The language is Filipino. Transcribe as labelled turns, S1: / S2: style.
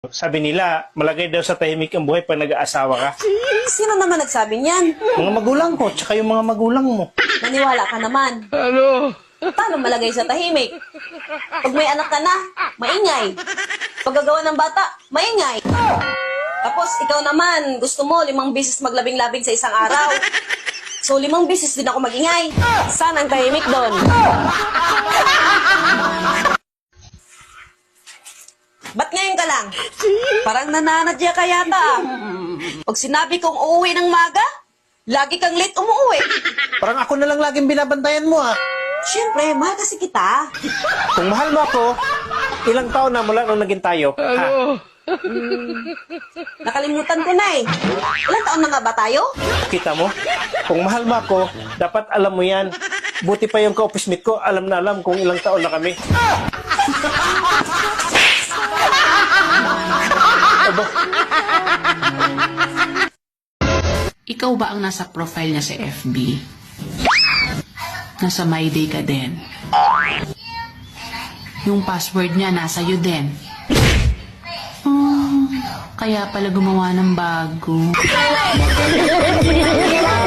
S1: Sabi nila, malagay daw sa tahimik ang buhay pag nag-aasawa ka.
S2: Sino naman nagsabi niyan?
S1: Mga magulang ko, tsaka yung mga magulang mo.
S2: Naniwala ka naman. Paano malagay sa tahimik? Pag may anak ka na, maingay. Paggagawa ng bata, maingay. Tapos ikaw naman, gusto mo 5 beses maglabing-labing sa isang araw. So 5 beses din ako magingay. Saan ang tahimik doon? Ba't ngayon ka lang? Parang nananadya ka yata. Pag sinabi kong uuwi ng maga, lagi kang late umuwi.
S1: Parang ako na lang laging binabantayan mo ah.
S2: Siyempre, mahal kasi kita.
S1: Kung mahal mo ako, ilang taon na mula nung naging tayo? Ha?
S2: Nakalimutan ko na eh. Ilang taon na nga ba tayo?
S1: Kita mo? Kung mahal mo ako, dapat alam mo yan. Buti pa yung ka-office mate ko, alam na alam kung ilang taon na kami. Aba,
S3: Ikaw ba ang nasa profile niya sa FB? Nasa My Day ka din. Yung password niya nasa iyo din. Kaya pala gumawa ng bago.